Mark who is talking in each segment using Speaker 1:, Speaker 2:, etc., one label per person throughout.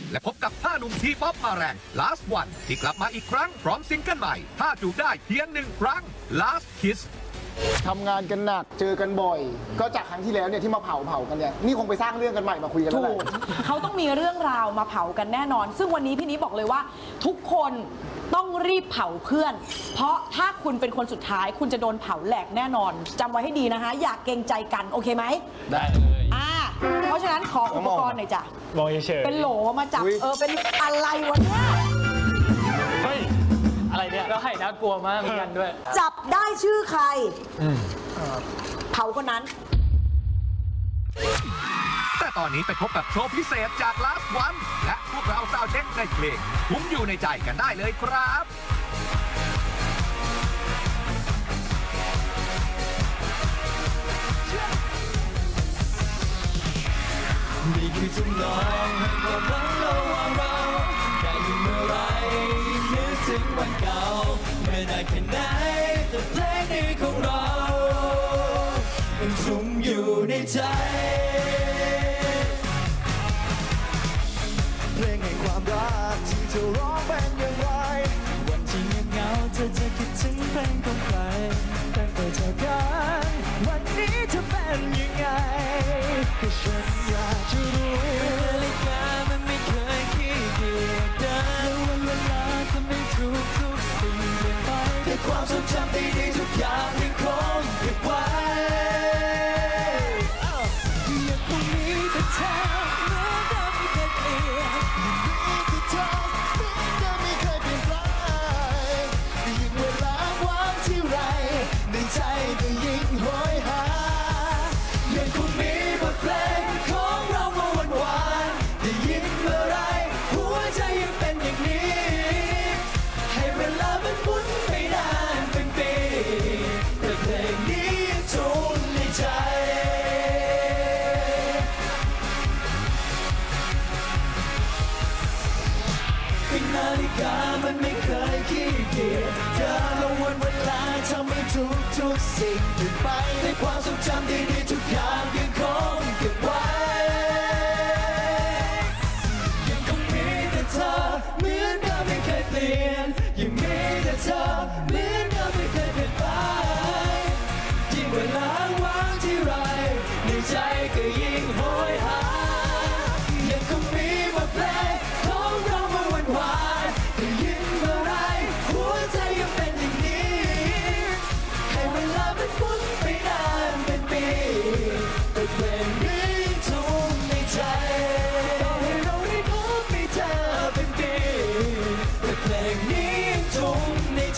Speaker 1: และพบกับ5 หนุ่มทีป๊อปมาแรง Last One ที่กลับมาอีกครั้งพร้อมซิงเกิลใหม่ถ้าจูบได้เพียง1 ครั้ง Last Kiss
Speaker 2: ทำงานกันหนักเจอกันบ่อย ก็จากครั้งที่แล้วเนี่ยที่มาเผากันเนี่ยนี่คงไปสร้างเรื่องกันใหม่มาคุยกันแล้ว
Speaker 3: ถู
Speaker 2: แห
Speaker 3: ก
Speaker 2: ละ
Speaker 3: เขาต้องมีเรื่องราวมาเผากันแน่นอน ซึ่งวันนี้พี่นี้บอกเลยว่า ทุกคนต้องรีบเผาเพื่อน เพราะถ้าคุณเป็นคนสุดท้ายคุณจะโดนเผาแหลกแน่นอนจำไว้ให้ดีนะคะอย่าเกรงใจกันโอเคไหม
Speaker 4: ได้เลย
Speaker 3: เพราะฉะนั้นขออุปกรณ์หน่อยจ้ะ
Speaker 4: มองเฉยๆ
Speaker 3: เป็นโหลมาจับเป็นอะไรวะเนี่ย
Speaker 4: เฮ้ย อะไรเนี่ยแล้วไข่น่ากลัวมากเหมือนกันด้วย
Speaker 3: จับได้ชื่อใครเผาคนนั้น
Speaker 1: แต่ตอนนี้ไปพบกับโชว์พิเศษจาก Last One และพวกเราซาวเช็คในเพลงคุ้มอยู่ในใจกันได้เลยครับ
Speaker 5: นี่คือจุดน้อยให้ความรักระหว่างเราได้อยู่เมื่อไรนึกถึงวันเก่าเมื่อนานแค่ไหนแต่เพลงนี้ของเรายังชุ่มอยู่ในใจเพลงแห่งความรักที่เธอร้องเป็นอย่างไรวันที่เงียบเหงาเธอจะคิดถึงเพลงของใครตั้งแต่เจอกันวันนี้เธอเป็นยังไงก็ฉันอยากจะรู้นาฬิกามันไม่เคยขี้เกียจเดินวันเวลาทำให้ทุกสิ่งเปลี่ยนไปแต่ความทรงจำดีๆทุกอย่างยังคงเก็บไว้ยังคงมีแต่เธอเหมือนเดิมไม่เคยเปลี่ยนยังมีแต่เธอเหมือนเดิมไม่เคยเปลี่ยนแปลงยิ่งเวลาว่างที่ไรในใจก็ยิ่งโหยหายังคงมีบทเพลงของเรามาหวานๆได้ยินเมื่อไรหัวใจยังเป็นอย่างนี้ให้เวลามันหมุนไปนานเป็นปีแต่เพลงนี้ยังทนในใจนาฬิกามันไม่เคยขี้เกียจเธอและวันเวลาทำให้ทุกสิ่งเปลี่ยนไปในความทรงจำดีๆทุกอย่างยังคงเก็บไว้ยังคงมีแต่เธอเหมือนเดิมไม่เคยเปลี่ยนยังมีแต่เธอเหมือนเดิมไม่เคยเปลี่ยนไปยิ่งเวลาว่างที่ไรในใจก็ยิ่งโหยหายังคงมีบทเพลงของเรามาหวานๆได้ยินเมื่อไรหัวใจยังเป็นอย่างนี้ให้เวลามันหมุนไปนานเป็นปีแต่เพลงนี้ทุ่มในใจต่อให้เราได้พบไม่เจอเป็นปีแต่เพลงนี้ทุ่มในใจ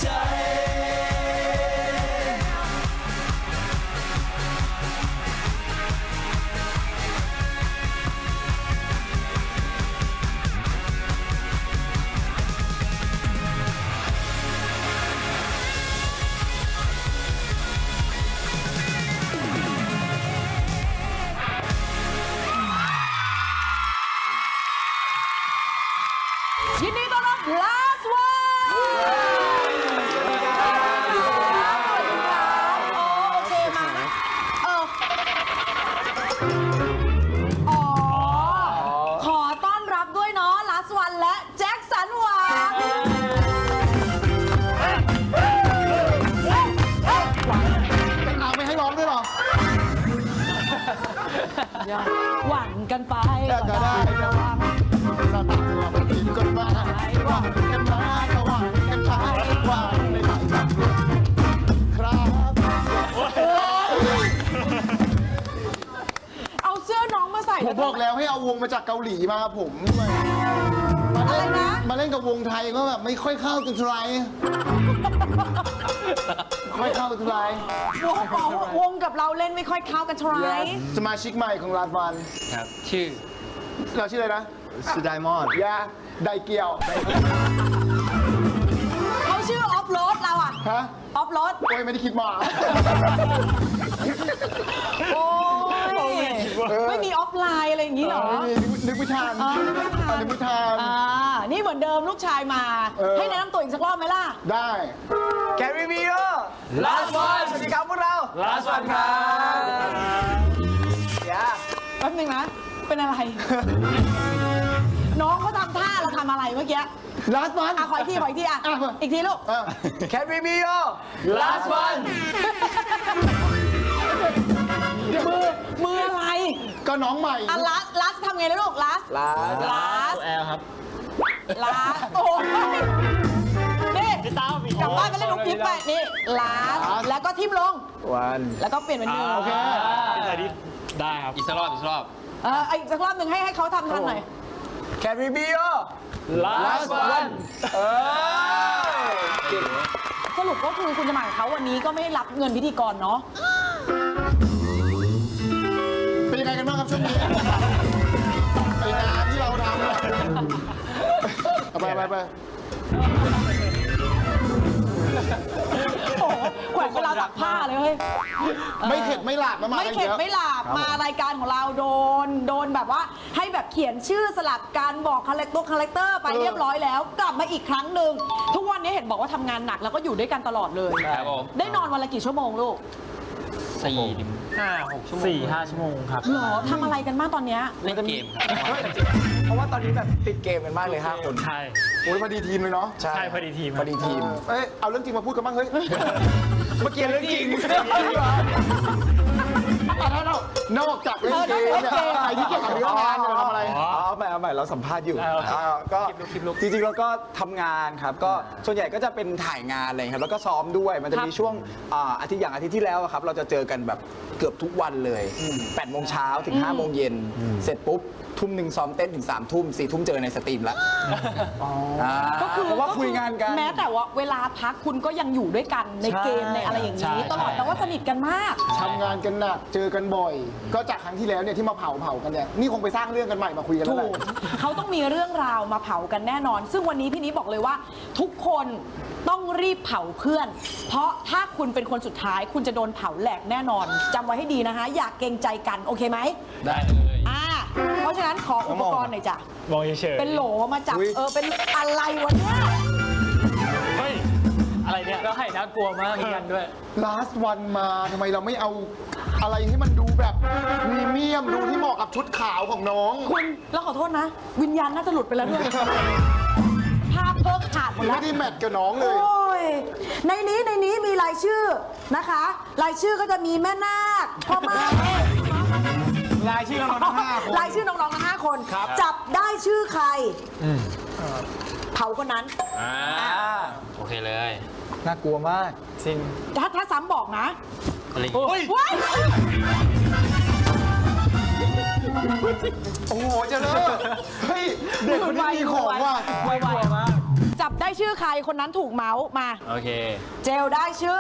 Speaker 3: ยินดีต้อนรับ Last One โอเคมาขอต้อนรับด้วยเนาะ Last One และแจ็คสันหวัง
Speaker 2: เอาไม่ให้ร้องด้วยหรอ
Speaker 3: หวั่นกันไป
Speaker 2: ก็ได้ระวังเราต่างเราไปกินกันมาหวังกันมาก็หวังกันไปหวังไม่ไหวครับ
Speaker 3: เอาเสื้อน้องมาใส่
Speaker 2: ผมบอกแล้วให้เอาวงมาจากเกาหลีมาผมด้วยมาเล่นกับวงไทยก็แบบไม่ค่อยเข้ากันเท่าไหร่ไม่เข้ากันเท่าไหร่
Speaker 3: วงกับเราเล่นไม่ค่อยเข้ากันเท่าไหร่
Speaker 2: สมาชิกใหม่ของลาดวัน
Speaker 4: ครับ ชื่อ
Speaker 2: เราชื่ออะไรนะชื่อไดมอนด์ยาไดเกียว
Speaker 3: เขาชื่อออฟโรดเราอะ
Speaker 2: ฮะ
Speaker 3: ออฟโรด
Speaker 2: โอ้ยไม่ได้คิดมา
Speaker 3: โอ้ยไม่มีออฟไลน์อะไรอย่างนี้เหรอ
Speaker 2: นึกไม่ทัน
Speaker 3: นึกไม่ทัน
Speaker 2: นึกไม่ทัน
Speaker 3: นี่เหมือนเดิมลูกชายมา ให้แนะนำตัวอีกสักรอบไหมล่ะ
Speaker 2: ได้
Speaker 5: แคริบิโอ Last One สวัสดีครับพวกเรา Last One ครับ
Speaker 3: แป๊บนึงนะ เป็นอะไร น้องเขาทำอะไรเมื่อกี้
Speaker 2: last one
Speaker 3: ขออีกทีอ่ะ อีกทีลูก
Speaker 4: Can we be your last one
Speaker 3: มืออะไร
Speaker 2: ก็น้องใหม่
Speaker 3: ลัสทำไงนะลูกลัส
Speaker 4: แอลครับ
Speaker 3: ลัสโอ้ยนี่กลับบ้านไปเล่นลูกปิ๊บไปนี่ลัสแล้วก็ทิมลง
Speaker 4: one
Speaker 3: แล้วก็เปลี่ยนเป็นมือ
Speaker 2: โอเค
Speaker 4: ได้ครับ อีกสักรอบ
Speaker 3: อีกสักรอบหนึ่งให้เขาทำทันหน่อย
Speaker 4: Can we be your last one
Speaker 3: สรุปก็คือคุณจะมากับเขาวันนี้ก็ไม่ได้รับเงินพิธีกรเนาะ
Speaker 2: เป็นยังไงกันบ้างครับช่วงนี้ไองานที่เราทำเนี่ยไป
Speaker 3: โอ้โหแขวนเวลาตักผ้าเลยเฮ้ย
Speaker 2: ไม่เข็ดไม่หลาบมา
Speaker 3: ไม่เข็ดไม่หลาบมารายการของเราโดนแบบว่าให้แบบเขียนชื่อสลับการบอกคาแรคเตอร์ไปเรียบร้อยแล้ว กลับมาอีกครั้งหนึ่งทุกวันนี้เห็นบอกว่าทำงานหนักแล้วก็อยู่ด้วยกันตลอดเลย
Speaker 4: ครับผม
Speaker 3: ได้นอนวันละกี่ชั่วโมงลูก
Speaker 4: 4-5 ชั่วโมง 4-5 ชั่วโมงครับ
Speaker 3: หรอทำอะไรกันบ้างตอนเนี้ย
Speaker 4: เล่นเกมครับ เพราะว่าตอนนี้แบบติดเกมกันมากเลย5 คน ใช่
Speaker 2: โอ้ยพอดีทีมเลยเนาะ
Speaker 4: ใช่พอดีทีม
Speaker 2: พอดีทีมเอาเรื่องจริงมาพูดกันบ้างเฮ้ย
Speaker 4: เมื่อกี้เรื่องจริง
Speaker 2: ถ้านอกจากเล่นเกมเนี่ยอะไรที่เกี่ยวกับเรื่องงานเนี่ยเราทำอะไร
Speaker 6: เอาใหม่เราสัมภาษณ์อยู่
Speaker 4: โอเค
Speaker 6: ก็จริงๆเราก็ทำงานครับ ก็ส่วนใหญ่ก็จะเป็นถ่ายงานอะไรครับ แล้วก็ซ้อมด้วย มันจะมีช่วงอาทิตย์ที่แล้วอะครับ เราจะเจอกันแบบเกือบทุกวันเลย8 โมงเช้าถึง 5 โมงเย็น เสร็จปุ๊บ ทุ่มหนึ่งซ้อมเต้นถึง 3 ทุ่ม 4 ทุ่มเจอในสตรีมแล้ว
Speaker 3: ก็คือ
Speaker 6: เพราะว่าคุยงานกัน
Speaker 3: แม้แต่ว่าเวลาพักคุณก็ยังอยู่ด้วยกันในเกมในอะไรอย่าง
Speaker 4: ใช่
Speaker 3: นี้ตลอดแต่ว่าสนิทกันมาก
Speaker 2: ทำงานกันหนักเจอกันบ่อย ก็จากครั้งที่แล้วเนี่ยที่มาเผากันเนี่ยนี่คงไปสร้างเรื่องกันใหม่มาคุยกันแล้ว
Speaker 3: ถู
Speaker 2: แหละ
Speaker 3: กเขาต้องมีเรื่องราวมาเผากันแน่นอน ซึ่งวันนี้พี่นี้บอกเลยว่า ทุกคนต้องรีบเผาเพื่อน เพราะถ้าคุณเป็นคนสุดท้ายคุณจะโดนเผาแหลกแน่นอนจำไว้ให้ดีนะคะ อย่าเกรงใจกันโอเคไหม
Speaker 4: ได้เลย
Speaker 3: เพราะฉะนั้นขออุปกรณ์หน่อยจ้ะ
Speaker 4: มองเฉยๆ
Speaker 3: เป็นโหลมาจับเป็นอะไรวะเนี่ย
Speaker 4: เฮ้ย อะไรเนี่ยแล้วไห่น่ากลัวมากเหมือนกันด้วย
Speaker 2: last one มาทำไมเราไม่เอาอะไรให้มันดูแบบพรีเมียมดูที่เหมาะกับชุดขาวของน้อง
Speaker 3: คุณแล้วขอโทษนะ วิญญาณน่าจะหลุดไปแล้วด้วยภาพเพิกขาดหมดแล้ว
Speaker 2: ไม่ได้แมทกับน้องเลย
Speaker 3: โอ้ยในนี้มีรายชื่อนะคะ รายชื่อก็จะมีแม่นาคพ่อมาก
Speaker 2: รายชื่อเราทั้ง5 คน
Speaker 3: รายชื่อน้องๆทั้ง5 คน จับได้ชื่อใครเผาคนนั้น
Speaker 4: โอเคเลย
Speaker 6: น่ากลัวมาก
Speaker 4: จริง
Speaker 3: ถ้าซ้ำบอกนะ
Speaker 4: อะไร
Speaker 3: ว้าย
Speaker 2: โอ้โหเจะเลิกเฮ้ยเด็กคนนี้มีของว่ะ
Speaker 3: ไวๆมากจับได้ชื่อใครคนนั้นถูกเมาส์มา
Speaker 4: โอเค
Speaker 3: เจลได้ชื่อ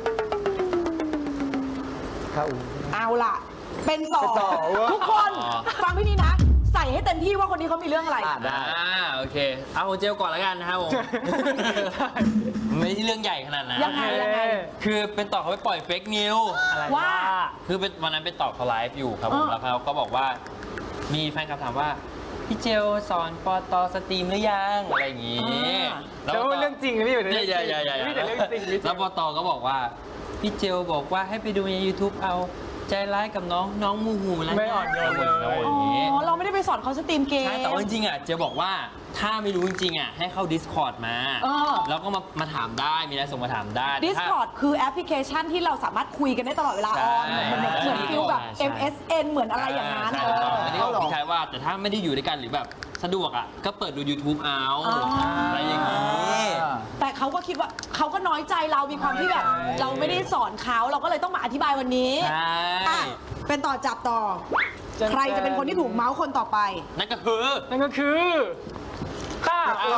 Speaker 3: เอาล่ะ เป็นต่อทุกคนฟังพี่นี่นะ ใส่ให้เต็มที่ว่าคนนี้เขามีเรื่องอะไร
Speaker 4: โอเค เอาของเจลก่อนแล้วกันนะครับผม ไม่ใช่เรื่องใหญ่ขนาดนั้น
Speaker 3: ยังไง
Speaker 4: คือเป็นต่อเขาไปปล่อยเฟกนิว
Speaker 3: ว่า
Speaker 4: คือเป็นวันนั้นเป็นต่อเขาไลฟ์อยู่ครับผมแล้วเขาก็บอกว่ามีแฟนคลับถามว่าพี่เจลสอนปตสตรีมหรือยังอะไรอย่างงี้
Speaker 7: แล้วเรื่องจริงนะพี่เป็นเรื่องจริง
Speaker 4: อย่า
Speaker 7: มีแต่เรื่องจริง
Speaker 4: แล้วปตก็บอกว่าพี่เจลบอกว่าให้ไปดูใน YouTube เอาใจร้ายกับน้องมูหูแล้ว
Speaker 7: ไม่อ่อนโยนเลย
Speaker 4: อย่างงี้
Speaker 3: อ๋อเราไม่ได้ไปสอนเขาสตรีมเกม
Speaker 4: ใช่แต่ว่าจริงๆอ่ะเจลบอกว่าถ้าไม่รู้จริงๆอ่ะให้เข้า Discord มา แล้วก็มาถามได้มีอะไรส่งมาถามได้
Speaker 3: Discord คือแอปพลิเคชันที่เราสามารถคุยกันได้ตลอดเวลา
Speaker 4: ใช่
Speaker 3: เหมือนฟิลแบบ
Speaker 4: ใช่
Speaker 3: MSN เหมือนอะไรอย่างนั้น
Speaker 4: ใช่อันนี้ก็บอกใช่ว่าแต่ถ้าไม่ได้อยู่ด้วยกันหรือแบบสะดวกอ่ะก็เปิดดู YouTube เอาอะไรอย่างนี้
Speaker 3: แต่เขาก็คิดว่าเขาก็น้อยใจเรามีความที่แบบเราไม่ได้สอนเขาเราก็เลยต้องมาอธิบายวันนี้
Speaker 4: ใช่
Speaker 3: อ่ะเป็นต่อจับต่อ ใครจะเป็นคนที่ถูกเมาส์คนต่อไป
Speaker 4: นั่นก็คือ
Speaker 7: นั่นก็คือข้า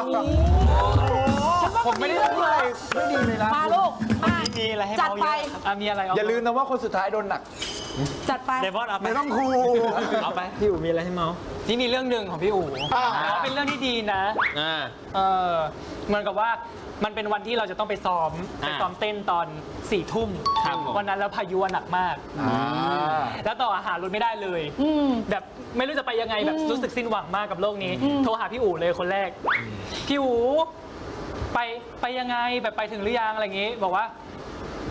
Speaker 7: ผมไม่ได้พูดอะไรไม่ดีเลยนะ
Speaker 3: มาลูกมา
Speaker 7: มีอะไรให้
Speaker 3: จัด
Speaker 7: เมาเย
Speaker 3: ไป
Speaker 7: อะมีอะไร
Speaker 6: อย่าลืมนะว่าคนสุดท้ายโดนหนัก
Speaker 3: จัดไป
Speaker 7: เดวอนเอาไป
Speaker 2: ไม่ต้องครู
Speaker 7: เอาไปพี่อู๋มีอะไรให้เมานี่มีเรื่องหนึ่งของพี่อู๋เป็นเรื่องที่ดีนะ เหมือนกับว่ามันเป็นวันที่เราจะต้องไปซ้อมเต้นตอน4 ทุ่ม
Speaker 4: ครับผม
Speaker 7: วันนั้นแล้วพายุหนักมาก แล้วต่ออาหารรถไม่ได้เลย แบบไม่รู้จะไปยังไงแบบรู้สึกสิ้นหวังมากกับโลกนี้ โทรหาพี่อู๋เลยคนแรก พี่อู๋ไปยังไงแบบไปถึงหรือยังอะไรอย่างงี้ บอกว่า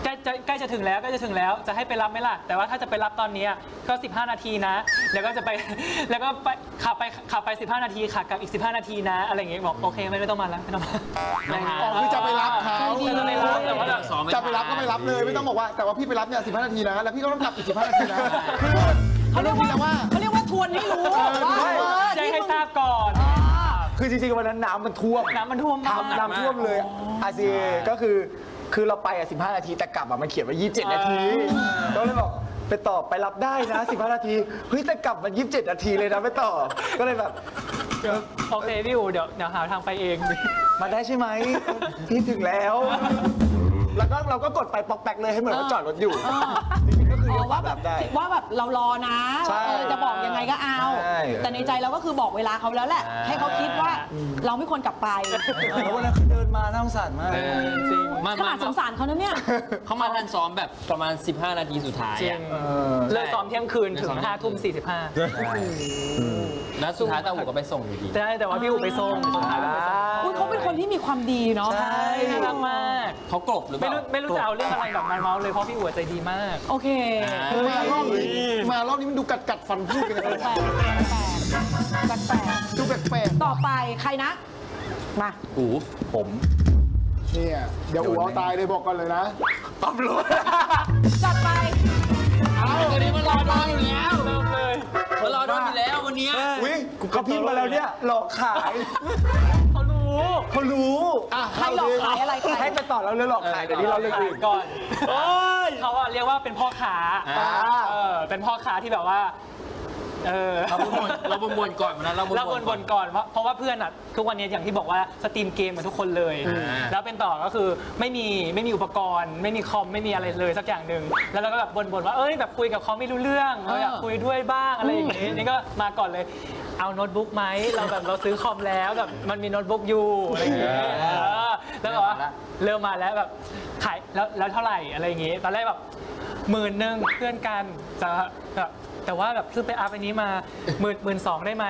Speaker 7: ใกล้จะถึงแล้วจะให้ไปรับไหมล่ะแต่ว่าถ้าจะไปรับตอนนี้ก็15 นาทีนะแล้วก็จะไปแล้วก็ไปขับไป15 นาทีค่ะกลับอีก15 นาทีนะอะไรอย่างเงี้ยบอกโอเคไม่ต้องมาแล้วไม่ต้องมา
Speaker 2: อ๋อคือจะไปรับเขา
Speaker 7: จะไปรับแต่ว่าแบบ
Speaker 2: จะไปรับก็ไปรับเลยไม่ต้องบอกว่าแต่ว่าพี่ไปรับเนี่ย15 นาทีนะแล้วพี่ก็ต้องกลับอีก15 นาทีนะคือ
Speaker 3: เขาเรียกว่าทวนให้รู้ว่า
Speaker 7: แจ้งให้ทราบก่อน
Speaker 6: คือจริงๆวันนั้นน้ำมันท่วม
Speaker 7: น้ำมันท่วมมาก
Speaker 6: น้ำท่วมเลยอาซีก็คือเราไป15 นาทีแต่กลับมันเขียนว่า27 นาทีก็เลยบอกไปต่อไปรับได้นะ15 นาทีเฮ้ยแต่กลับมัน27 นาทีเลยนะไปต่อก็เลยแบบ
Speaker 7: โอเคพี่อู๋เดี๋ยวหาทางไปเอง
Speaker 6: มาได้ใช่ไหมพี่ถึงแล้ว แล้วก็เราก็กดไปปอกแป๊กเลยให้เหมือนว่าจอดรถอยู่จริงๆก็คือเลี้ยวขวาแบบได้
Speaker 3: ว่าแบบเรารอนะ
Speaker 6: ใช่
Speaker 3: จะบอกยังไงก็เอา
Speaker 6: ใช่
Speaker 3: แต่ในใจเราก็คือบอกเวลาเขาแล้วแหละ ให้เขาคิดว่าเราไม่ควรกลับไป
Speaker 6: แล้ววันนั้นเขาเดินมาน่าสงสารมาก
Speaker 4: จริง
Speaker 3: ขนาดสงสารเขานะเนี่ย
Speaker 4: เขามาทันซ้อมแบบประมาณ 15 นาทีสุดท้าย
Speaker 7: จริง
Speaker 4: อะ
Speaker 7: เลิกซ้อมเที่ยงคืนถึง5 ทุ่ม 45
Speaker 4: แล้วสุดท้ายตาหูก็ไปส่งอยู่ดี
Speaker 7: ใช่แต่ว่าพี่อู๋ไปส่งสุดท้ายพี่อู๋ไปส่ง
Speaker 3: อุ๊ยเขาเป็นคนที่มีความดีเนาะ
Speaker 6: ใช่
Speaker 7: น่ารักมาก
Speaker 4: เขากลบหรือเปล่า
Speaker 7: ไม่รู้จะเอาเรื่องอะไรแบบมาเมาส์เลยเพราะพี่อู๋ใจดีมาก
Speaker 3: โอเค
Speaker 2: มารอบนี้มันดูกัดฟันพูดกันเลย
Speaker 3: แปลกแปลก
Speaker 2: ดูแปลก
Speaker 3: ต่อไปใครนะ มา
Speaker 4: หูผม
Speaker 2: ๆเนี่ยเดี๋ยวอู๋เอาตายเลยบอกก่อนเลยนะ
Speaker 6: ปั๊บรถ
Speaker 3: จัดไป
Speaker 4: วันนี้มารอดอนอยู่แล้วเริ่มเลยมารอดอนอยู่แล้ววันเนี้ย
Speaker 6: อุ้ยเขาพิมพ์มาแล้วเนี่ยหลอกขาย
Speaker 7: เขารู้
Speaker 6: เขารู้
Speaker 2: อ่ะ
Speaker 3: ใครหลอกขายอะไรใคร
Speaker 6: ให้ไปต่อแล้วเลยหลอกขายเดี๋ยวนี้เราเลยอื่น
Speaker 7: ก่อนเขาอะเรียกว่าเป็นพ่อค้าเป็นพ่อค้าที่แบบว่า
Speaker 4: เราบนก่อนวันนั้นเรา
Speaker 7: เราบนก่อนเพราะว่าเพื่อนอ่ะทุกวันนี้อย่างที่บอกว่าสตรีมเกมเหมือนทุกคนเลย แล้วเป็นต่อก็คือไม่มีอุปกรณ์ ไม่มีคอมไม่มีอะไรเลยสักอย่างหนึ่งแล้วเราก็แบบบ่นว่าแบบคุยกับเขาไม่รู้เรื่องเราอยากคุยด้วยบ้างอะไรอย่างงี้นี่ก็มาก่อนเลยเอาโน้ตบุ๊กไหมเราซื้อคอมแล้วแบบมันมีโน้ตบุ๊กอยู่อะไรอย่างเงี้ยแล้วก็เริ่มมาแล้วแบบขายแล้วเท่าไหร่อะไรอย่างงี้ตอนแรกแบบ10,000เพื่อนกันจะแบบแต่ว่าแบบซื้อไปอัพอันนี้มา12,000ได้ไหม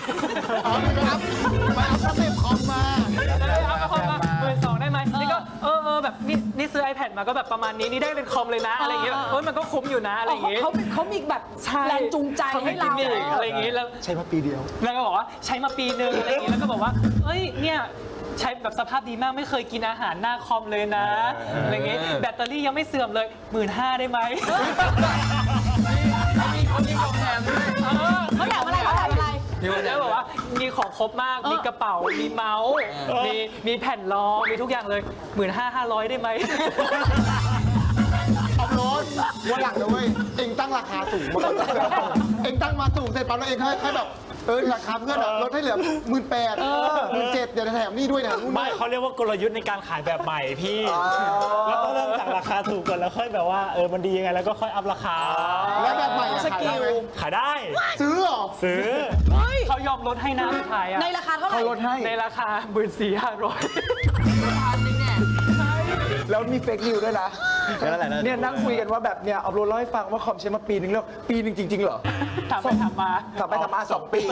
Speaker 2: ไปเอาสเต็ปคอมมา
Speaker 7: ได้อัพคอมมา12,000ได้ไหมนี่ก็แบบนี่ซื้อ iPad มาก็แบบประมาณนี้นี่ได้เป็นคอมเลยนะอะไรอย่างเงี้ยมันก็คุ้มอยู่นะอะไรอย่างเงี้ย
Speaker 3: เขามีแบบแรงจูงใจให้เรา
Speaker 7: อะไรอย่างงี้แล้ว
Speaker 6: ใช้มาปีเดียว
Speaker 7: แล้วก็บอกว่าใช้มาปีนึงอะไรอย่างงี้แล้วก็บอกว่าเอ้ยเนี่ยใช้แบบสภาพดีมากไม่เคยกินอาหารหน้าคอมเลยนะอะไรอย่างงี้แบตเตอรี่ยังไม่เสื่อมเลย15,000ได้ไหม
Speaker 3: เขาอยากอะไร
Speaker 7: แล้วบอกว่ามีของครบมากมีกระเป๋ามีเมาส์มีแผ่นรองมีทุกอย่างเลย15,500ได้ไหม
Speaker 2: เอารถวันหลังนะเว้ยเองตั้งราคาสูงมาก่อนเองตั้งมาสูงเสร็จปั๊บแล้วเองให้แบบราคาเพื่อนลดให้เหลือ18,000 17,000เดี๋ยวแถมนี่ด้วยนะนู่น
Speaker 8: ไม่เขาเรียกว่ากลยุทธ์ในการขายแบบใหม่พี่แล้วต้องเริ่มจากราคาถูกก่อนแล้วค่อยแบบว่ามันดียังไงแล้วก็ค่อยอัพราคา
Speaker 2: แล้วแบบใหม่ขายได้ไหม
Speaker 8: ขายได้
Speaker 2: ซื้อเหรอ
Speaker 8: ซื้อ
Speaker 7: เขายอมลดให้นะสุดท้ายอะ
Speaker 3: ในราคาเท่าไหร่
Speaker 6: เขาลดให้
Speaker 7: ในราคา14,500
Speaker 6: แล้วมีเฟกนิวด้วยนะเนี่ยนั่งคุยกันว่าแบบเนี่ยเอารถเล่าให้ฟังว่าคอมใช้มาปีนึงแล้วปีนึงจริงๆเหรอ
Speaker 7: ถามไปถามมา
Speaker 6: ทำไปทำมา2 ปี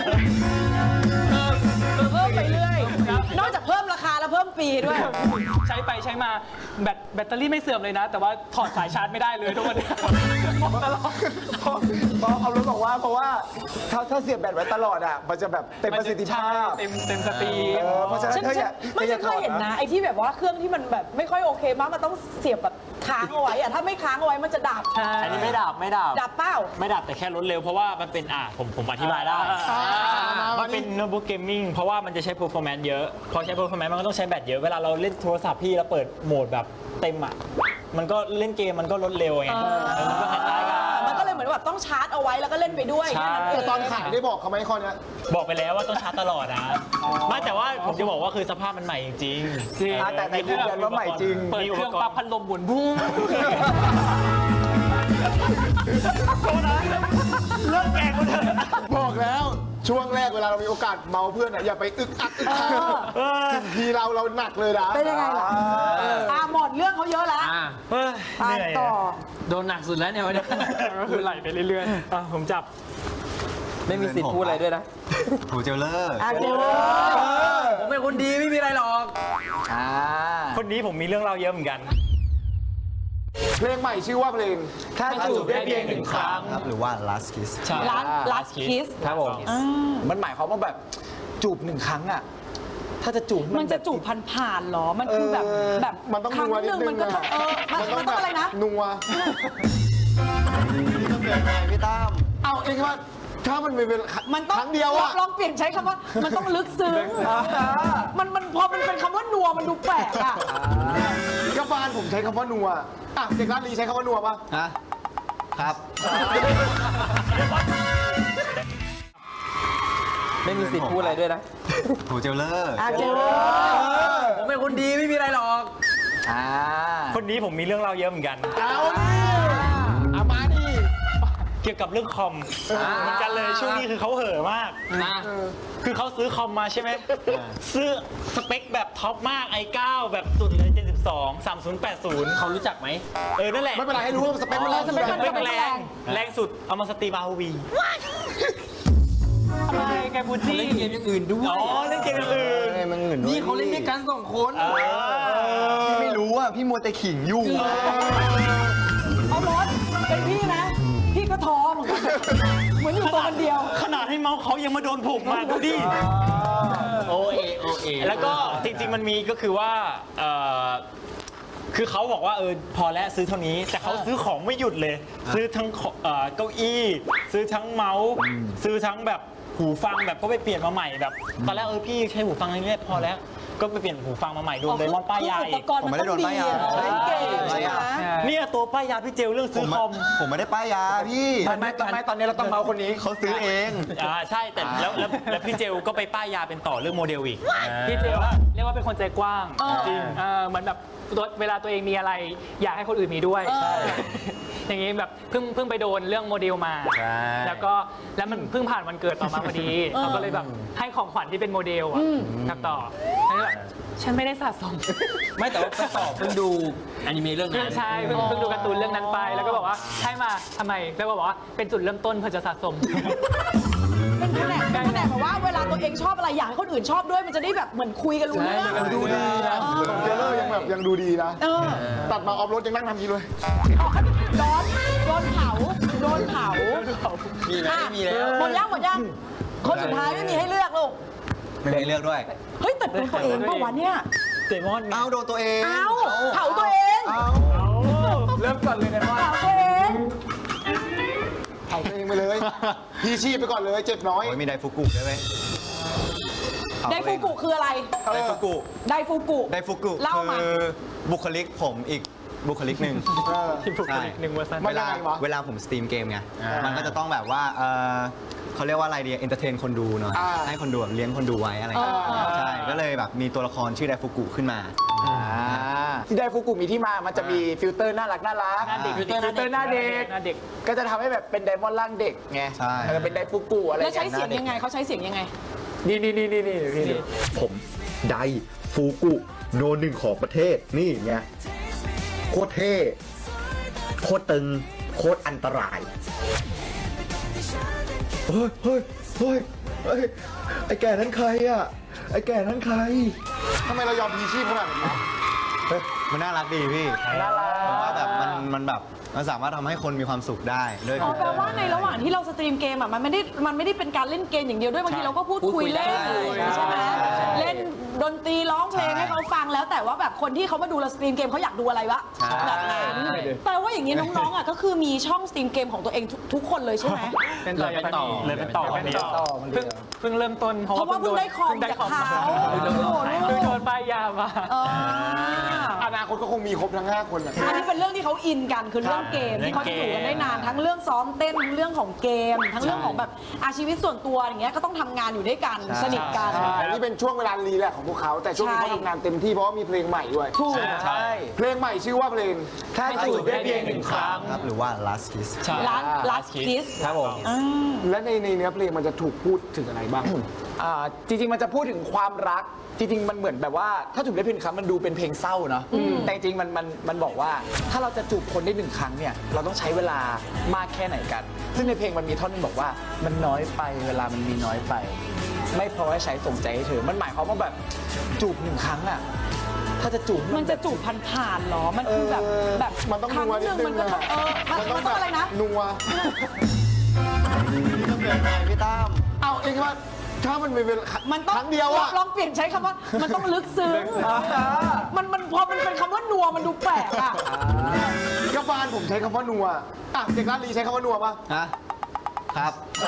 Speaker 3: เพิ่มไปเรื่อย นอกจากเพิ่มราคาแล้วเพิ่มปีด้วย
Speaker 7: ใช้ไปใช้มาแบตเตอรี่ไม่เสื่อมเลยนะ แต่ว่าถอดสายชาร์จไม่ได้เลยทุกวันนี้ตลอด
Speaker 6: เพราะเอารถบอกว่าเพราะว่าถ้าเสียบแบตไว้ตลอดอ่ะมันจะแบบเต็มประสิทธิภาพ
Speaker 7: เต็มสตรีม
Speaker 6: เพราะฉะนั้น
Speaker 3: ฉัน
Speaker 6: เธออย่า
Speaker 3: ไม่ฉันเคยเห็นนะไอ้ที่แบบว่าเครื่องที่มันแบบไม่ค่อยโอเคมากมันต้องเสียบแบบค้างเอาไว้อะถ้าไม่ค้างเอาไว้มันจะดับ
Speaker 8: อันนี้ไม่ดับ
Speaker 3: ดับเป้า
Speaker 8: ไม่ดับแต่แค่ลดเร็วเพราะว่ามันเป็นผมอธิบายได้ มันเป็นโน้ตบุ๊กเกมมิ่งเพราะว่ามันจะใช้ performance เยอะพอใช้ performance มันก็ต้องใช้แบตเยอะเวลาเราเล่นโทรศัพท์พี่แล้วเปิดโหมดแบบเต็มอ่ะมันก็เล่นเกมมันก็ลดเร็วไงมันก็คล้ายๆกัน
Speaker 3: มันก็เลยเหมือนแบบต้องชาร์จเอาไว้แล้วก็เล่นไปด้วย
Speaker 8: ใช่
Speaker 3: แค่นั้นเอง
Speaker 2: แต่ตอนขายได้บอกเขาไหมข้อเนี้ย
Speaker 8: บอกไปแล้วว่าต้องชาร์จตลอดนะไม่แต่ว่าผมจะบอกว่าคือสภาพมันใหม่จริง
Speaker 6: แต่ในยืนยันว่าใหม่จริง
Speaker 7: เปิดเครื่องปั๊บพัดลมหมุนบุ้ง
Speaker 2: บอกแล้วช่วงแรกเวลาเรามีโอกาสเมาเพื่อนอย่าไปอึกอักอึกอักถึงทีเราหนักเลยนะ
Speaker 3: เป็นยังไงล่ะหมดเรื่องเขาเยอะแล้ว ไปต่อ
Speaker 4: โดนหนักสุดแล้วเนี่ยวันนี้
Speaker 7: ก็คือไหลไปเรื่อย
Speaker 8: ผมจับ
Speaker 4: ไม่มีสิทธิ์พูดอะไรด้วยนะ
Speaker 9: หูเจลเลอร์
Speaker 3: เดี๋ยว
Speaker 4: ผมเป็นคนดีไม่มีอะไรหรอก
Speaker 8: คนนี้ผมมีเรื่องเล่าเยอะเหมือนกัน
Speaker 6: อ่า
Speaker 8: คนนี้ผมมีเรื่องเล่าเยอะเหมือนกัน
Speaker 6: คนนี้ผมมีเรื่องเล่าเยอะเหมือนกัน
Speaker 8: คนนี้ผมมีเรื่องเล่าเยอะเหมือนกัน
Speaker 6: อ่า
Speaker 8: คนนี้ผมมีเรื่องเล่าเยอะเหมือนกัน
Speaker 6: อ่า
Speaker 2: เพลงใหม่ชื่อว่าเพลง
Speaker 6: ถ้าจูบได้เพียงหนึ่งครั้ง
Speaker 9: ครับหรือว่า last kiss
Speaker 8: ใช่
Speaker 3: last kiss
Speaker 6: ครับผมมันหมายความว่าแบบจูบหนึ่งครั้งอ่ะถ้าจะจูบ
Speaker 3: มันจะจูบผ่านๆหรอ มันคือแบบแบบ
Speaker 2: มันต้อง
Speaker 3: ครั้ง
Speaker 2: นัว
Speaker 3: ห
Speaker 2: นิด
Speaker 3: นึ่ง
Speaker 2: นึ
Speaker 3: มัน
Speaker 2: ง
Speaker 3: ก็ต้องมันต้องอะไรนะ
Speaker 2: นัว
Speaker 9: พี่ตั้ม
Speaker 2: เอาเองว่าถ้ามันเป็น
Speaker 3: มันต้อง
Speaker 2: ครั้งเดียวอะ
Speaker 3: ลองเปลี่ยนใช้คำว่า มันต้องลึกซึ้งมันพอมันเป็นคำว่านัวมันดูแปลกอ่ะ
Speaker 2: กาแฟนผมใช้คำว่านัวอ่ะเด็กร้านลีใช้คำว่านัวปะ
Speaker 9: ฮะครับ
Speaker 4: ไม่มีสิทธิ์พูดอะไรด้วยนะ
Speaker 9: โหเจลเลอร์
Speaker 3: เจอ
Speaker 4: ผมเป็นคนดีไม่มีอะไรหรอก
Speaker 8: คนนี้ผมมีเรื่องเล่าเยอะเหมือนกัน
Speaker 2: เอาดิเอามาดิ
Speaker 8: เกี่ยวกับเรื่องคอมเหมือนกันเลยช่วงนี้คือเขาเห่อะมาก
Speaker 4: นะ
Speaker 8: คือเขาซื้อคอมมาใช่ไหมซื้อสเปคแบบท็อปมาก i9 แบบสุดเลย 72 3080
Speaker 4: เขารู้จักไหม
Speaker 8: นั่นแหละ
Speaker 2: ไม่เป็นไรให้รู้ว่าสเปคมัน
Speaker 3: สเปคมัน
Speaker 8: สเปคแรงสุดเอามาสตรีม ROV
Speaker 7: ทำไมแกบูจี้
Speaker 4: เล่นเกมอย่างอื่นด้วย
Speaker 8: อ๋อเล่นเกมอย่างอื่น
Speaker 9: มันเงินด้วย
Speaker 4: นี่เขาเล่นด้วยกัน2 คน
Speaker 9: พี่ไม่รู้อ่ะ พี่มัวแต่ขิงอยู่
Speaker 3: เอารถเป็นพี่นะ พี่ก็ท้อเหมือนกันเหมือนอยู่ตัวคนเดียว
Speaker 8: ขนาดให้เมาส์เขายังมาโดนผูกมาดูดิ
Speaker 4: โอเอ
Speaker 8: แล้วก็จริงๆมันมีก็คือว่าคือเขาบอกว่าพอแล้วซื้อเท่านี้ แต่เขาซื้อของไม่หยุดเลย ซื้อทั้งเก้าอี้ ซื้อทั้งเมาส์ซื้อทั้งแบบหูฟังแบบก็ไปเปลี่ยนมาใหม่แบบตอนแรกพี่ใช้หูฟังเรื่อยๆพอแล้วก็ไปเปลี่ยนหูฟังมาใหม่โดนไดมอนด์ป้ายยา
Speaker 3: อุ
Speaker 8: อี
Speaker 3: ป
Speaker 8: ก
Speaker 3: กรณ์มันต้องดีอะเล่นเกมใช่ไหม
Speaker 8: เนี่ยตัวป้ายยาพี่เจลเรื่องซื้อคอม
Speaker 9: ผมไม่ได้ป้ายยาพี่
Speaker 6: ทำไมตอนนี้เราต้องเมาคนนี้
Speaker 9: เขาซื้อเอง
Speaker 8: ใช่แต่แล้วพี่เจลก็ไปป้ายยาเป็นต่อเรื่องโมเดลอีก
Speaker 7: พี่เจว่าเรียกว่าเป็นคนใจกว้าง
Speaker 3: จริง
Speaker 7: เหมือนแบบเวลาตัวเองมีอะไร อยากให้คนอื่นมีด้วย อย่างนี้แบบเพิ่งไปโดนเรื่องโมเดลมา
Speaker 4: ใช่
Speaker 7: แล้วมันเพิ่งผ่านวันเกิดต่อมาพอดีเขาก็เลยแบบให้ของขวัญที่เป็นโมเดลอะกับต่อแล้วแบบฉันไม่ได้สะสม
Speaker 4: ไม่แต่ว่าไปต่อเพิ่งดูอนิเมะเรื่องนั้น
Speaker 7: ใช่เพิ่งดูการ์ตูนเรื่องนั้นไป แล้วก็บอกว่าให้มาทำไมแล้วก็บอกว่าเป็นจุดเริ่มต้นเพื่อจะสะสม
Speaker 3: เป็นแผนกแบบว่าเวลาตัวเองชอบอะไรอยากให้คนอื่นชอบด้วยมันจะได้แบบเหมือนคุยกันรู้เรื่อง
Speaker 2: ดูดีนะผมเจเลอร์ยังแบบยังดูดีนะ ตัดมาออฟโรดยังนั่งทำกินเลย
Speaker 3: โดนเผา
Speaker 4: มีไหมไม่มีแล้ว
Speaker 3: หมดยังคนสุดท้ายไม่มีให้เลือกลูก
Speaker 9: ไม่มีเลือกด้วย
Speaker 3: เฮ้ยแต่โดนตัวเองปะวะเนี่ย
Speaker 8: เดมอน
Speaker 9: เอาโดนตัวเอง
Speaker 3: เอาเผาตัวเอง
Speaker 6: เริ่มก่อนเลยนะว่า
Speaker 3: เผาตัวเอง
Speaker 2: เผาตัวเองไปเลย พี่ชีพไปก่อนเลยเจ็บน้อย
Speaker 9: โอ้ยมีไดฟุกุด้วยเว้ย
Speaker 3: ไดฟูกุคืออะไร
Speaker 9: ไดฟุกุ
Speaker 3: ไดฟูกุ
Speaker 9: ไดฟุกุ
Speaker 3: เล่ามา
Speaker 9: คือบุคลิกผมอีกบุคลิกหนึ่ง
Speaker 7: ที่ผูกคนอีกหนึ่งเวอร์ชัน
Speaker 2: ไม่
Speaker 9: เวลา
Speaker 2: ยังไงวะ
Speaker 9: เวลาผมสตรีมเกมไง มันก็จะต้องแบบว่าเขาเรียกว่าอะไรดีเอนเตอร์เทนคนดูหน่อย ให้คนดูแบบเลี้ยงคนดูไว้อะไรอย่างเงี้ยใช่ ก็เลยแบบมีตัวละครชื่อไดฟุกุขึ้นมา
Speaker 6: ที่ได้ฟุกุมีที่มา มันจะมีฟิลเตอร์น่ารัก
Speaker 7: หน้าเด็ก
Speaker 6: ฟิลเตอร์หน้าเด็ก
Speaker 7: หน้าเด็ก
Speaker 6: ก็จะทำให้แบบเป็นไดมอนด์ร่างเด็กไง
Speaker 9: ใช่
Speaker 6: เป็นไดฟุกุอะไร
Speaker 3: แล้วใช้เสียงยังไงเขาใช้เสียงยังไง
Speaker 6: นี่พี่ดู
Speaker 10: ผมไดฟูกุโนหนึ่งของประเทศนี่ไงโคตรเท่โคตรตึงโคตรอันตรายเฮ้ยไอ้แก่นั้นใครอ่ะไอ้แก่นั้นใคร
Speaker 2: ทำไมเรายอมพีชีพขนาดนั้นวะ
Speaker 9: เฮ้ยมันน่ารักดีพี่
Speaker 6: น่ารัก
Speaker 9: ผมว่าแบบมันแบบมันสามารถทำให้คนมีความสุขได้ด้วย
Speaker 3: อ๋อแปลว่าในระหว่างที่เราสตรีมเกมอ่ะมันไม่ได้เป็นการเล่นเกมอย่างเดียวด้วยบางทีเราก็พูดคุยเล่นใช่ไหมเล่นดนตรีร้องเพลงให้เขาฟังแล้วแต่ว่าแบบคนที่เขามาดูเราสตรีมเกมเขาอยากดูอะไรวะแบบนั้นแปลว่าอย่างนี้น้องๆอ่ะก็คือมีช่องสตรีมเกมของตัวเองทุกคนเลยใช่ไหม
Speaker 7: เป็นต่อ
Speaker 4: เป็นต่อ
Speaker 8: เลยเป็นต่อวันนี้
Speaker 7: เพิ่งเริ่มต้น
Speaker 3: เพราะว่าเพิ่งได้คอมจากเขาโอ้โห
Speaker 7: เพิ่งโดนป้ายยามา
Speaker 2: อนาคตก็คงมีครบทั้ง 5 คนแหละ
Speaker 3: อันนี้เป็นเรื่องที่เขาอินกันคือเรื่องเกมที่เขาจะอยู่กันได้นานทั้งเรื่องซ้อมเต้นทั้งเรื่องของเกม ทั้งเรื่องของแบบชีวิตส่วนตัวอย่างเงี้ยก็ต้องทำงานอยู่ด้วยกันสนิทกัน
Speaker 2: แต่นี่เป็นช่วงเวลารีแลกซ์ของพวกเขา แต่ช่วงนี้เขาทำงานเต็มที่เพราะว่ามีเพลงใหม่ด้วย
Speaker 3: ถูก
Speaker 6: ใช่
Speaker 2: เพลงใหม่ชื่อว่าเพลง
Speaker 6: ถ้าจูบได้เพียงหนึ่งครั้ง
Speaker 9: ครับหรือว่า last kiss
Speaker 3: ร้านคิส
Speaker 6: ครับผม
Speaker 2: และในเนื้อเพลงมันจะถูกพูดถึงอะไรบ้าง
Speaker 6: จริงๆ มันจะพูดถึงความรัก จริงๆ มันเหมือนแบบว่าถ้าจูบได้เพียงหนึ่งครั้งมันดูเป็นเพลงเศร้าเนาะแต่จริงๆมันบอกว่าถ้าเราจะจูบคนได้หนึ่งครั้งเนี่ยเราต้องใช้เวลามากแค่ไหนกัน ซึ่งในเพลงมันมีท่อนนึงบอกว่ามันน้อยไปเวลามันมีน้อยไป ไม่พอให้ใช้ส่งใจให้เธอมันหมายความว่าแบบจูบหนึ่งครั้งอะมันจะจูบ
Speaker 3: มันจะจูบผ่านๆหรอ มันคือแบบแบบ
Speaker 2: มันต้อง
Speaker 3: ครั้ง
Speaker 2: นัว
Speaker 3: ห
Speaker 2: นิด
Speaker 3: นึ่ง
Speaker 2: นึ
Speaker 3: มัน
Speaker 2: ง
Speaker 3: ก็ต้องมันต้องอะไรนะ
Speaker 2: นัว
Speaker 9: ต้องเปลี่ยนไงพี่ตั้ม
Speaker 2: เอาเองว่าถ้ามันเป็น
Speaker 3: มันต้อง
Speaker 2: ครั้งเดียวอะ
Speaker 3: ลองเปลี่ยนใช้คำว่า มันต้องลึกซึ้งมันพอมันเป็นคำว่านัวมันดูแปลกอ่ะ
Speaker 2: กระบาลผมใช้คำว่านัวอ่ะเด็กร้านลีใช้คำว่านัวปะ
Speaker 9: ฮะ ครับ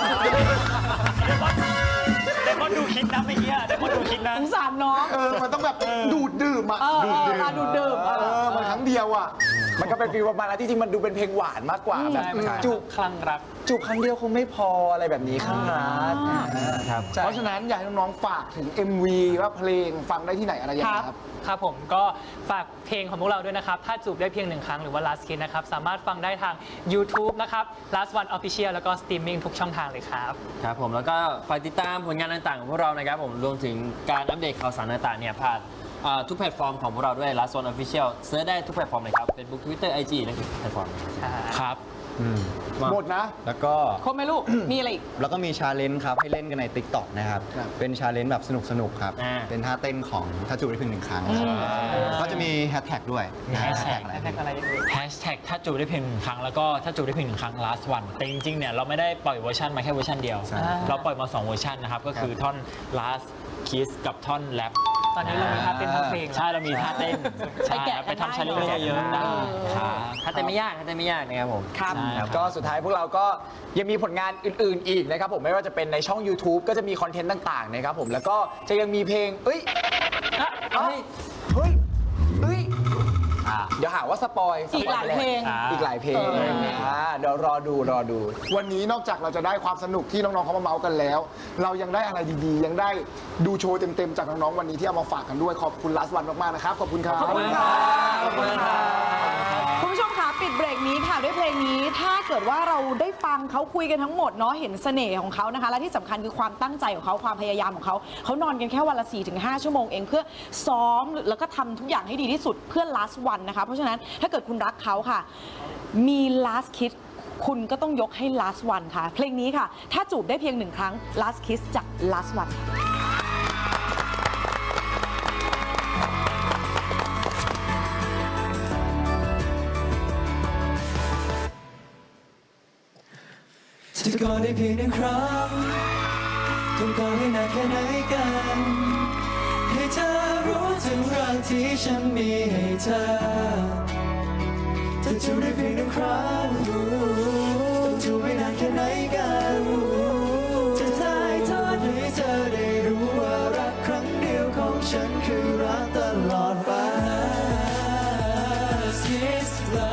Speaker 8: แต่ก็ดูคิดนะเมื่อกี้แต่ก็ดูคิดนะ
Speaker 3: สงสารน้อง
Speaker 2: มันต้องแบบดูดดื่มอะ
Speaker 3: ดูดดื่ม
Speaker 2: มันครั้งเดียวอะ
Speaker 6: มันก็เป็นฟีลประมาณนั้นที่จริงมันดูเป็นเพลงหวานมากกว่าแบบจูบ
Speaker 7: คลั่งรัก
Speaker 6: จูบครั้งเดียวคงไม่พออะไรแบบนี้ครั้งรัก
Speaker 9: ครับ
Speaker 2: เพราะฉะนั้นอยากให้น้องๆฝากถึง MV ว่าเพลงฟังได้ที่ไหนอะไรอย่างไรครับ
Speaker 7: ครับผมก็ฝากเพลงของพวกเราด้วยนะครับ ถ้าจูบได้เพียงหนึ่งครั้งหรือว่า Last Kiss นะครับ สามารถฟังได้ทาง YouTube นะครับ Last One Official แล้วก็ Streaming ทุกช่องทางเลยครับ
Speaker 4: ครับผมแล้วก็ฝากติดตามผลงานต่างๆของพวกเรานะครับผมรวมถึงการอัปเดตข่าวสารต่างๆเนี่ยผ่านทุกแพลตฟอร์มของพวกเราด้วย Last One Official เสิร์ชได้ทุกแพลตฟอร์มเลยครับ Facebook Twitter IG และทุกแพลตฟอร์มครับ
Speaker 2: หมดนะ
Speaker 9: แล้วก็
Speaker 3: ครบไหมลูก มีอะไรอีก
Speaker 9: แล้วก็มีชาเลนจ์ครับให้เล่นกันใน TikTok นะครับ เป็นชาเลนจ์แบบสนุกๆครับ เป็นท่าเต้นของถ้าจูบได้เพียงหนึ่งครั้งครับก็จะมีแฮชแท็กด้วย
Speaker 8: มีแฮชแท็ก
Speaker 9: อะไร
Speaker 7: อะไร
Speaker 8: แฮชแท็กถ้าจูบได้เพียงหนึ่งครั้งแล้วก็ถ้าจูบได้เพียงหนึ่งครั้ง last one แต่จริงๆเนี่ยเราไม่ได้ปล่อยเวอร์ชันมาแค่เวอร์ชันเดียว เราปล่อยมา2เวอร์ชันนะครับก็คือท่อน last kiss กับท่อน rap
Speaker 7: ตอนนี้เรามีท่าเต้นทั้งเพลง
Speaker 8: ใช่เรามีท่าเต้น
Speaker 3: ไปแกะ
Speaker 8: ไปทำชาเลนจ์เยอะๆได้ครับ
Speaker 4: ถ้าเต้นไม่ยากนะครับผม
Speaker 3: ครับ
Speaker 8: ใช่ครับ
Speaker 6: ก็สุดท้ายพวกเราก็ยังมีผลงานอื่นๆอีกนะครับผมไม่ว่าจะเป็นในช่อง YouTube ก็จะมีคอนเทนต์ต่างๆนะครับผมแล้วก็จะยังมีเพลงเฮ้ยเดี๋ยวหาว่าสปอย
Speaker 3: อีกหลายเพลง
Speaker 6: อีกหลายเพลงเดี๋ยวรอดู
Speaker 2: วันนี้นอกจากเราจะได้ความสนุกที่น้องๆเขามาเมาส์กันแล้ว เรายังได้อะไรดีๆ ยังได้ดูโชว์เต็มๆจากน้องๆวันนี้ที่เอามาฝากกันด้วยขอบคุณLast Oneมากๆนะครับขอบคุณครับ
Speaker 3: ขอบคุณค่ะคุณผู้ชมคะปิดเบรกนี้ค่ะด้วยเพลงนี้ถ้าเกิดว่าเราได้ฟังเขาคุยกันทั้งหมดเนาะเห็นเสน่ห์ของเขานะคะและที่สำคัญคือความตั้งใจของเขาความพยายามของเขาเขานอนกันแค่วันละ 4-5 ชั่วโมงเองเพื่อซ้อมแล้วก็ทำทุกอย่างให้ดีที่สุดเพื่อ last one นะคะเพราะฉะนั้นถ้าเกิดคุณรักเขาค่ะมี last kiss คุณก็ต้องยกให้ last one ค่ะเพลงนี้ค่ะถ้าจูบได้เพียงหนึ่งครั้ง last kiss จาก last one
Speaker 5: จะกอดได้เพียงหนึ่งครั้งต้องกอดให้นานแค่ไหนกันให้เธอรู้ถึงรักที่ฉันมีให้เธอถ้าจูบได้เพียงหนึ่งครั้งต้องจูบให้นานแค่ไหนกันจะถ่ายทอดให้เธอได้รู้ว่ารักครั้งเดียวของฉันคือรักตลอดไป Last kiss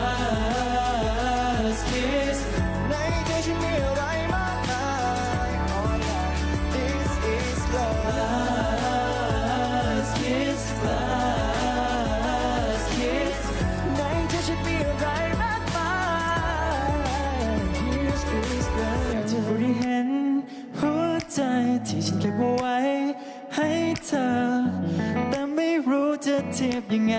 Speaker 5: Last kiss ในใจฉันมีอะไรมากมาย Oh yeah This is love Last kiss Last kiss ในใจฉันมีอะไรมากมาย This is love อยากจะรู้ได้เห็นหัวใจที่ฉันเก็บเอาไว้ให้เธอแต่ไม่รู้จะเทียบยังไง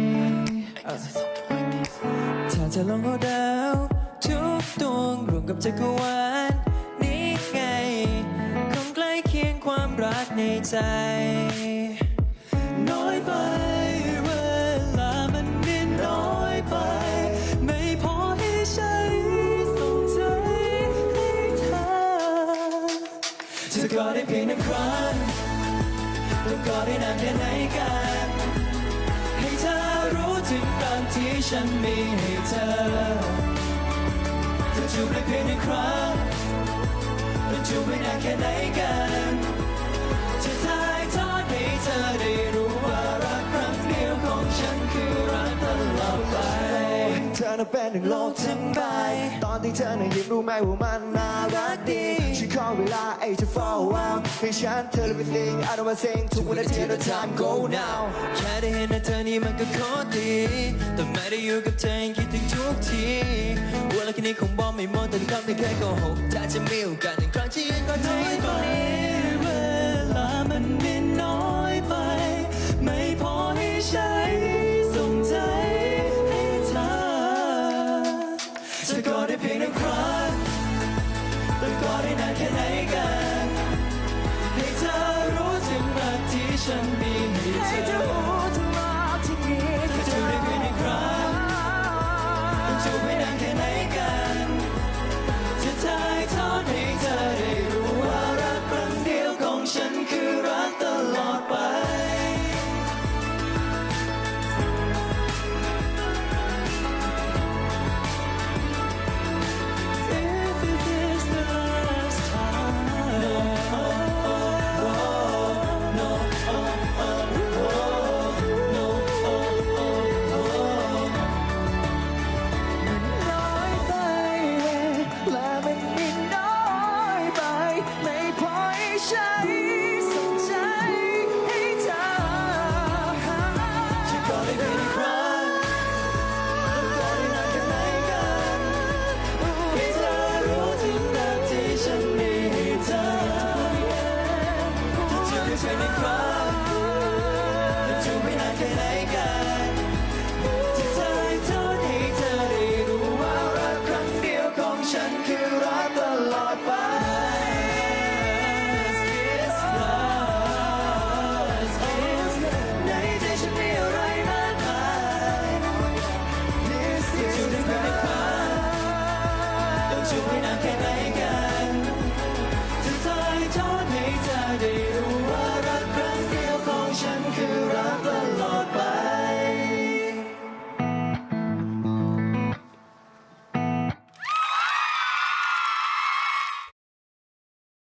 Speaker 5: ถ้าจะลองเอาดาวทุกดวงรวมกับจักรวาลนี้ไงคงใกล้เคียงความรักในใจน้อยไปเวลามันมีน้อยไปไม่พอให้ฉันส่งใจให้เธอจะกอดได้เพียงหนึ่งครั้งต้องกอดได้นานแค่ไหนกันให้เธอรู้ถึงรักที่ฉันมีให้เธอจะจูบได้เพียงหนึ่งครั้งต้องจูบไม่นานแค่ไหนกันจะถ่ายทอดให้เธอได้รู้ว่ารักครั้งเดียวของฉันคือรักตลอดไปเธอน่ะเป็นหนึ่งโลกทั้งใบตอนที่เธอน่ะยิ้มรู้ไหมว่ามันน่ารักดีฉันขอเวลาจะ fall out ให้ฉันเธอ everything I don't wanna sing ทุกวันนาที no time go now แค่ได้เห็นหน้าเธอนี่มันก็โคตรดีแต่ไม่ได้อยู่กับเธอยังคิดถึงทุกทีเวลาแค่นี้คงบอกไม่หมดแต่ทุกคำที่เคยโกหกถ้าจะมีโอกาสหนึ่งครั้งที่ยังก็น้อยไปเวลามันมีน้อยไปไม่พอให้ฉันส่งใจให้เธอจะกอดได้เพียงหนึ่งครั้งต้องกอดได้นานแค่ไหนกันให้เธอรู้ถึงรักที่ฉันมีให้เธอรู้ถึงรักที่ใช่ในครั้งจะไม่นานแค่ไหนกันที่เธอให้โทษให้เธอได้รู้ว่ารักครั้งเดียวของฉันคือรักตลอดไป ในใจฉันมีอะไรมากมายที่จะได้ไม่ฟังต้องช่วยนานแค่ไหนกันจะทายทอดให้เธอได้รู้